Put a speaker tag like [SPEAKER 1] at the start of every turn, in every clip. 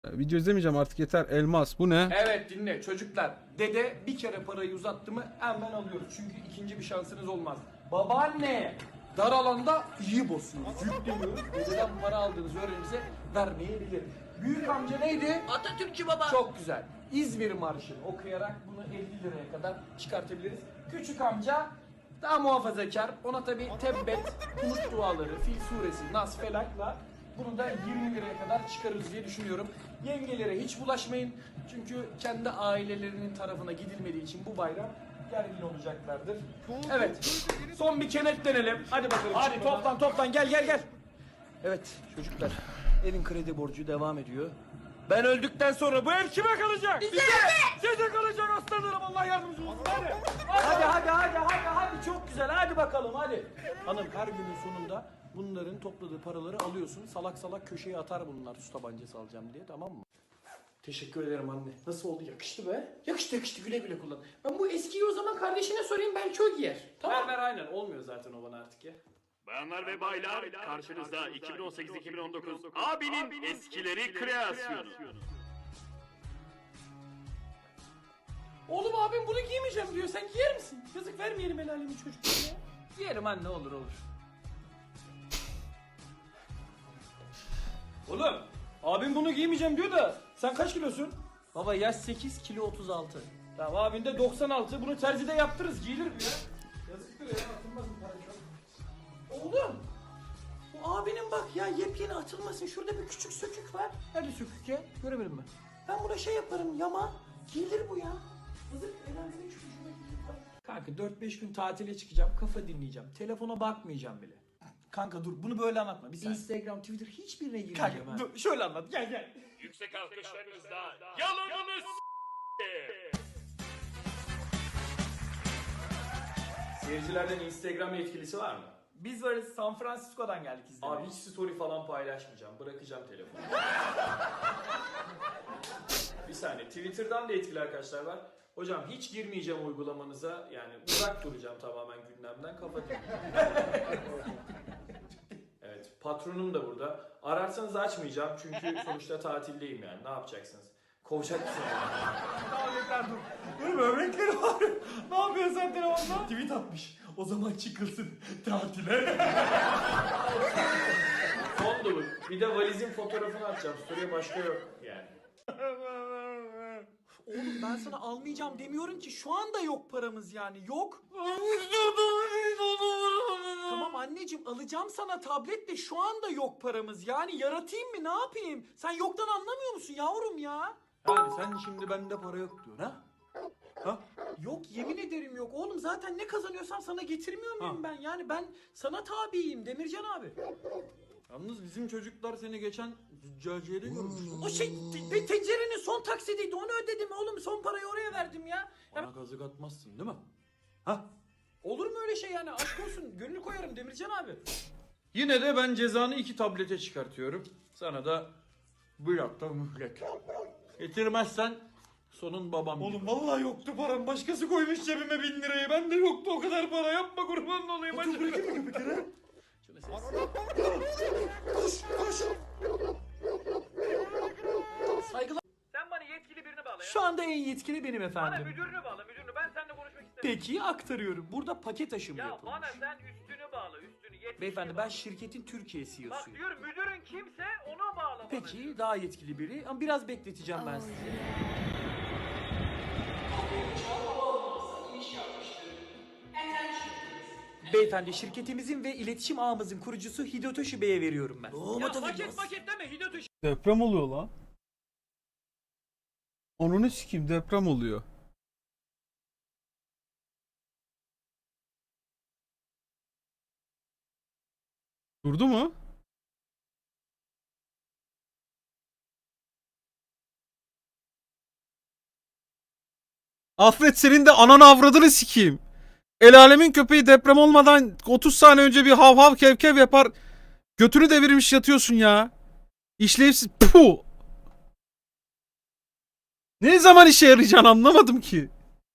[SPEAKER 1] Video izlemeyeceğim artık, yeter. Elmas bu ne?
[SPEAKER 2] Evet dinle çocuklar. Dede bir kere parayı uzattı mı hemen alıyoruz. Çünkü ikinci bir şansınız olmaz. Babaanne dar alanda iyi basıyoruz. Yükleniyoruz. Dededen para aldığınız öğrenimize vermeyebilir. Büyük amca neydi?
[SPEAKER 3] Atatürkçü baba.
[SPEAKER 2] Çok güzel. İzmir Marşı'nı okuyarak bunu 50 liraya kadar çıkartabiliriz. Küçük amca daha muhafazakar. Ona tabi tebbet, Umut duaları, Fil suresi, Nas, Felak'la bunu da 20 liraya kadar çıkarırız diye düşünüyorum. Yengelere hiç bulaşmayın. Çünkü kendi ailelerinin tarafına gidilmediği için bu bayram gergin olacaklardır. Evet. Son bir kenetlenelim. Hadi bakalım. Hadi toplan gel. Evet çocuklar. Evin kredi borcu devam ediyor. Ben öldükten sonra bu ev kime kalacak? Size kalacak aslanlarım, Allah yardımcınız olsun. Hadi çok güzel, hadi bakalım hadi. Hanım her günün sonunda bunların topladığı paraları alıyorsun. Salak salak köşeye atar bunlar su tabancası alacağım diye, tamam mı? Teşekkür ederim anne. Nasıl oldu? Yakıştı be. Yakıştı, güle güle kullan. Ben bu eskiyi o zaman kardeşine sorayım, belki o giyer. Tamam. Ver aynen, olmuyor zaten o bana artık ya.
[SPEAKER 4] Bayanlar ve baylar, karşınızda 2018-2019 abinin eskileri kreasyonu.
[SPEAKER 2] Oğlum abim bunu giymeyeceğim diyor. Sen giyer misin? Yazık, vermeyelim el alemin çocuklarına. Giyerim anne, olur. Oğlum abim bunu giymeyeceğim diyor da sen kaç kilosun? Baba yaş 8, kilo 36. Tamam, abin de 96. Bunu terzide yaptırırız, giyilir bu ya. Yazıktır ya, atılmaz mı para çok? Oğlum bu abinin bak ya, yepyeni atılmasın. Şurada bir küçük sökük var. Nerede sökük ya? Göremedim ben. Ben buna şey yaparım, yama. Giyilir bu ya. Yazık, el alemin çocuğuna giyilir. Kanka 4-5 gün tatile çıkacağım. Kafa dinleyeceğim. Telefona bakmayacağım bile. Kanka dur, bunu böyle anlatma. Bir Instagram, Twitter hiçbirine girmeyeceğim. Kanka dur, şöyle anlat. Gel.
[SPEAKER 4] Yüksek alkışlarınızla yalanınız
[SPEAKER 2] Seyircilerden Instagram yetkilisi var mı? Biz varız. San Francisco'dan geldik izlemeye. Abi hiç story falan paylaşmayacağım. Bırakacağım telefonu. Bir saniye. Twitter'dan da etkili arkadaşlar var. Hocam hiç girmeyeceğim uygulamanıza. Yani uzak duracağım tamamen gündemden. Kafa Evet. Patronum da burada. Ararsanız açmayacağım. Çünkü sonuçta tatildeyim yani. Ne yapacaksınız? Kovacak mısınız? Tabletler dur. Dur, böbrekleri var. Ne yapıyorsun sen telefonda? Tweet atmış. O zaman çıkılsın tatile. Son dolu. Bir de valizin fotoğrafını atacağım. Story'e başka yok yani.
[SPEAKER 3] Oğlum ben sana almayacağım demiyorum ki, şu anda yok paramız yani, yok. Tamam anneciğim, alacağım sana tablet de şu anda yok paramız yani, yaratayım mı, ne yapayım? Sen yoktan anlamıyor musun yavrum ya?
[SPEAKER 2] Yani sen şimdi bende para yok diyorsun ha? Ha?
[SPEAKER 3] Yok, yemin ederim yok oğlum, zaten ne kazanıyorsam sana getirmiyor muyum ben? Yani ben sana tabiyim Demircan abi.
[SPEAKER 2] Yalnız bizim çocuklar seni geçen züccaciyede görmüş.
[SPEAKER 3] O şey tencerenin son taksidiydi, onu ödedim oğlum, son parayı oraya verdim ya.
[SPEAKER 2] Bana kazık atmazsın değil mi? Ha?
[SPEAKER 3] Olur mu öyle şey yani, aşk olsun, gönül koyarım Demircan abi.
[SPEAKER 2] Yine de ben cezanı 2 tablete çıkartıyorum. Sana da bir hafta mühlet. Getirmezsen sonun babam. Oğlum vallahi yoktu param. Başkası koymuş cebime 1000 lirayı. Ben de yoktu o kadar para. Yapma, kurban olayım. Hadi bırakayım mı bir kere? Şunu
[SPEAKER 3] Saygılar.
[SPEAKER 5] Sen bana yetkili birini bağla ya.
[SPEAKER 3] Şu anda en yetkili benim
[SPEAKER 5] Bana
[SPEAKER 3] efendim.
[SPEAKER 5] müdürünü bağla, müdürünü. Ben seninle konuşmak istemiyorum.
[SPEAKER 3] Peki aktarıyorum. Burada paket aşımı
[SPEAKER 5] Ya
[SPEAKER 3] yapılmış.
[SPEAKER 5] bana sen üstünü bağla, üstünü. Yetkili
[SPEAKER 3] Beyefendi, ben şirketin Türkiye
[SPEAKER 5] Bak
[SPEAKER 3] CEO'suyum.
[SPEAKER 5] diyorum, müdürün kimse ona bağla bana.
[SPEAKER 3] Peki daha yetkili biri, ama biraz bekleteceğim ben sizi. Beyefendi, şirketimizin ve iletişim ağımızın kurucusu Hidotoshi Bey'e veriyorum ben.
[SPEAKER 5] Ya paket deme, Hidotoshi.
[SPEAKER 1] Deprem oluyor lan. Onunu sikeyim, deprem oluyor. Durdu mu? Alfred, senin de ananı avradını sikeyim. El alemin köpeği deprem olmadan 30 saniye önce bir hav hav kev kev yapar. Götünü devirmiş yatıyorsun ya. İşlevsiz. Puh. Ne zaman işe yarayacaksın anlamadım ki.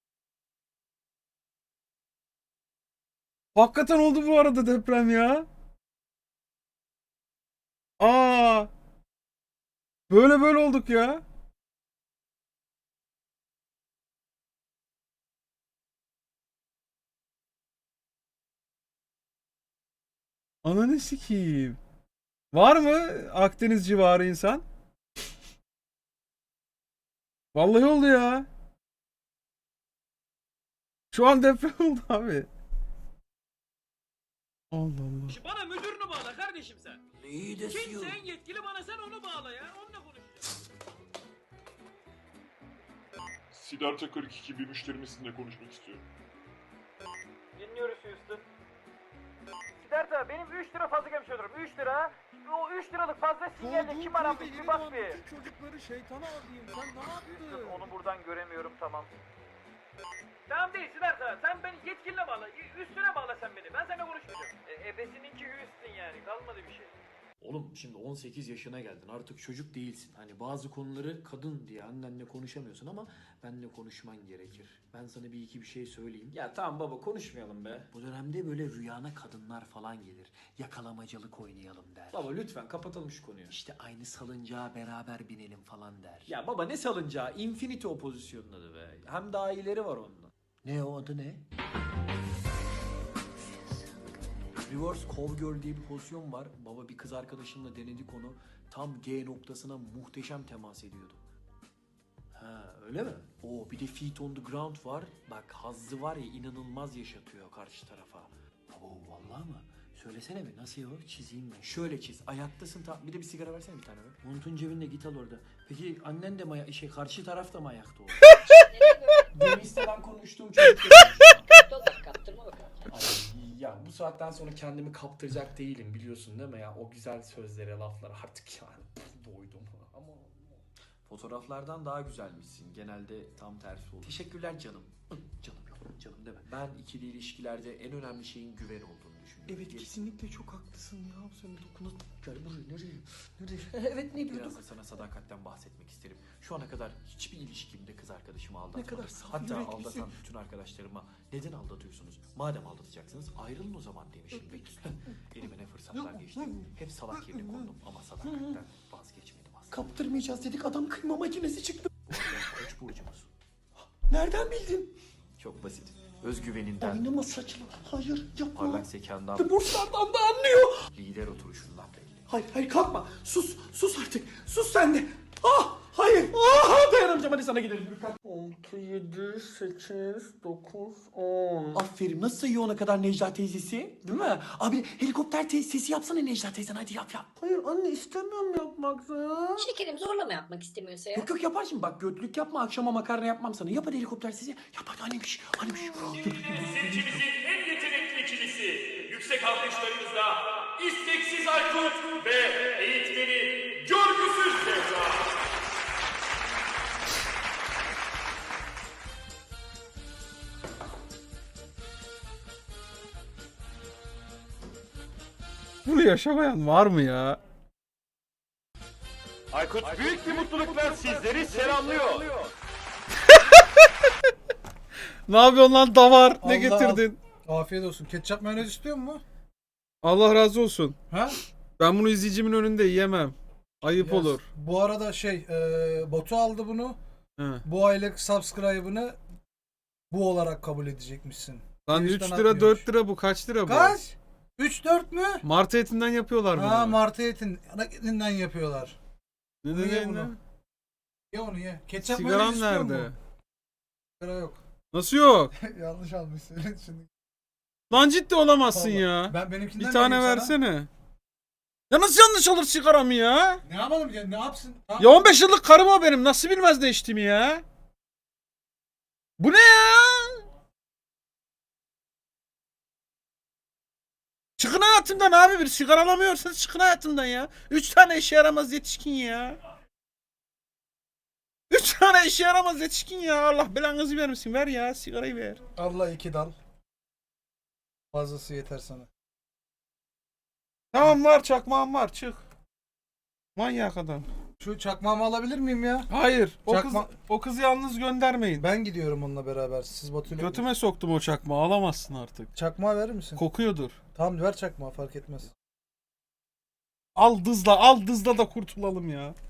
[SPEAKER 1] Hakikaten oldu bu arada deprem ya. Aa. Böyle olduk ya. Ananı sikeyim. Var mı Akdeniz civarı insan? Vallahi oldu ya. Şu an deprem oldu abi. Allah Allah.
[SPEAKER 5] Bana müdürünü bağla kardeşim sen.
[SPEAKER 3] İyi de
[SPEAKER 5] Kimse en yetkili bana sen onu bağla ya. Onunla konuşacağız.
[SPEAKER 6] Siddhartha 42 bir müşterimizle konuşmak istiyorum.
[SPEAKER 5] Dinliyoruz Houston. Siddhartha benim 3 lira fazla gelmiş olurum. 3 lira. O 3 liralık fazla sinyalle kim aramış bir bak bir.
[SPEAKER 1] Çocukları şeytana alayım. Sen ne
[SPEAKER 5] Houston, onu buradan göremiyorum tamam. Tamam değil Siddhartha. Sen beni yetkiline bağla. Üstüne bağla sen beni. Ben seninle konuşmayacağım. Ebesininki Houston yani. Kalmadı bir şey.
[SPEAKER 2] Oğlum şimdi 18 yaşına geldin artık çocuk değilsin. Hani bazı konuları kadın diye annenle konuşamıyorsun ama benle konuşman gerekir. Ben sana bir iki bir şey söyleyeyim.
[SPEAKER 3] Ya tamam baba konuşmayalım be.
[SPEAKER 2] Bu dönemde böyle rüyana kadınlar falan gelir. Yakalamacılık oynayalım der.
[SPEAKER 3] Baba lütfen kapatalım şu konuyu.
[SPEAKER 2] İşte aynı salıncağa beraber binelim falan der.
[SPEAKER 3] Ya baba ne salıncağı? Infinity o pozisyonun adı be. Hem daha iyileri var ondan.
[SPEAKER 2] Ne o adı ne? Reverse Cowgirl diye bir pozisyon var. Baba bir kız arkadaşımla denedik onu. Tam G noktasına muhteşem temas ediyordu. Ha öyle mi? Oo bir de Feet on the Ground var. Bak hazzı var ya inanılmaz yaşatıyor karşı tarafa. Oo vallahi mı? Söylesene bir nasıl ya o? Çizeyim ben. Şöyle çiz. Ayaktasın bir de bir sigara versene bir tane be. Montun cebinde git al orada. Peki annen de mi karşı taraf da mı ayakta o?
[SPEAKER 3] Demis'ten konuştuğum çocuk.
[SPEAKER 7] Kaptırma bakalım.
[SPEAKER 2] Ay, ya bu saatten sonra kendimi kaptıracak değilim biliyorsun değil mi ya? O güzel sözlere, laflara artık yani doydum. Ama fotoğraflardan daha güzelmişsin. Genelde tam tersi olur. Teşekkürler canım. Canım yok, canım deme. Ben ikili ilişkilerde en önemli şeyin güven olduğunu düşünüyorum. Evet kesinlikle çok haklısın ya. Sen dokuna gel buraya nereye? Nereye? Evet ne diyorduk? Biraz da sana sadakatten bahsetmek isterim. Şu ana kadar hiçbir ilişkimde kız arkadaşımı aldatmadım. Ne kadar saf hatta aldatan bütün arkadaşlarıma neden aldatıyorsunuz? Madem aldatacaksınız ayrılın o zaman demişimdir. Elime ne fırsatlar geçti. Hep salak yerine kondum ama sadakatten vazgeçmedim aslında. Kaptırmayacağız dedik adam kıyma makinesi çıktı. Bu arada koç burcumuz. Nereden bildin? Çok basit. Özgüveninden. Oynama saçma. Hayır yapma. Parlak zekandan. Burslardan da anlıyor. Lider oturuşundan belli. Hayır kalkma. Sus artık. Sus sen de. Ah hayır. Ah dayanamayacağım hadi sana gidelim. 6, 7, 8, 9, 10. Aferin nasıl sayıyor ona kadar Necla teyzesi? Değil mi? Abi helikopter sesi yapsana Necla teyzen hadi yap. Hayır anne istemiyorum yapmak ya.
[SPEAKER 7] Şekerim zorlama yapmak istemiyorsa ya.
[SPEAKER 2] Yok yapar şimdi bak götlük yapma akşama makarna yapmam sana. Yap hadi helikopter sesi. Yap hadi annemiş.
[SPEAKER 4] Seçimizin en yetenekli ikilisi. Yüksek alkışlarınızla isteksiz Aykut ve eğitmeni Görgüsüz Zehra.
[SPEAKER 1] Bunu yaşamayan var mı ya?
[SPEAKER 4] Aykut büyük bir mutlulukla sizleri selamlıyor.
[SPEAKER 1] Ne yapıyorsun lan davar? Ne
[SPEAKER 8] Allah
[SPEAKER 1] getirdin?
[SPEAKER 8] Afiyet olsun. Ketçap mayonez istiyor mu?
[SPEAKER 1] Allah razı olsun.
[SPEAKER 8] Ha?
[SPEAKER 1] Ben bunu izleyicimin önünde yiyemem. Ayıp
[SPEAKER 8] Yes.
[SPEAKER 1] olur.
[SPEAKER 8] Bu arada Batu aldı bunu.
[SPEAKER 1] He.
[SPEAKER 8] Bu aylık subscribe'ını bu olarak kabul edecekmişsin.
[SPEAKER 1] Lan
[SPEAKER 8] Twitch'ten
[SPEAKER 1] 3 lira
[SPEAKER 8] atmıyormuş.
[SPEAKER 1] 4 lira bu kaç lira bu?
[SPEAKER 8] Kaç? 3-4 mü?
[SPEAKER 1] Martı etinden yapıyorlar bunu.
[SPEAKER 8] Ha martı etin. Ana etinden yapıyorlar.
[SPEAKER 1] Ne
[SPEAKER 8] Bunu ye
[SPEAKER 1] ne
[SPEAKER 8] bunu.
[SPEAKER 1] ne?
[SPEAKER 8] Ye onu ye. Ketçap
[SPEAKER 1] Sigaran
[SPEAKER 8] mayonez istiyor
[SPEAKER 1] nerede?
[SPEAKER 8] mu? Sigara yok.
[SPEAKER 1] Nasıl yok?
[SPEAKER 8] Yanlış almışsın şimdi.
[SPEAKER 1] Lan ciddi olamazsın
[SPEAKER 8] Vallahi.
[SPEAKER 1] ya.
[SPEAKER 8] Ben benimkinden
[SPEAKER 1] Bir tane
[SPEAKER 8] vereyim sana.
[SPEAKER 1] versene. Ya nasıl yanlış alır sigaramı ya?
[SPEAKER 8] Ne yapalım ya? Ne yapsın?
[SPEAKER 1] Ya 15 yıllık karım o benim. Nasıl bilmez ne içtiğimi ya? Bu ne ya? Çıkın hayatımdan abi, bir sigara alamıyorsanız çıkın hayatımdan ya. 3 tane işe yaramaz yetişkin ya. 3 tane işe yaramaz yetişkin ya. Allah belanızı vermesin. Ver ya, sigarayı ver.
[SPEAKER 8] Allah 2 dal. Fazlası yeter sana.
[SPEAKER 1] Tamam var, çakmağım var, çık. Manyak adam.
[SPEAKER 8] Şu çakmağımı alabilir miyim ya?
[SPEAKER 1] Hayır,
[SPEAKER 8] Çakma-
[SPEAKER 1] o kızı yalnız göndermeyin.
[SPEAKER 8] Ben gidiyorum onunla beraber. Siz Batu'yla...
[SPEAKER 1] Götüme soktum o çakmağı, alamazsın artık.
[SPEAKER 8] Çakmağı verir misin?
[SPEAKER 1] Kokuyordur.
[SPEAKER 8] Tamam ver çakmağı fark etmez.
[SPEAKER 1] Al dızla da kurtulalım ya.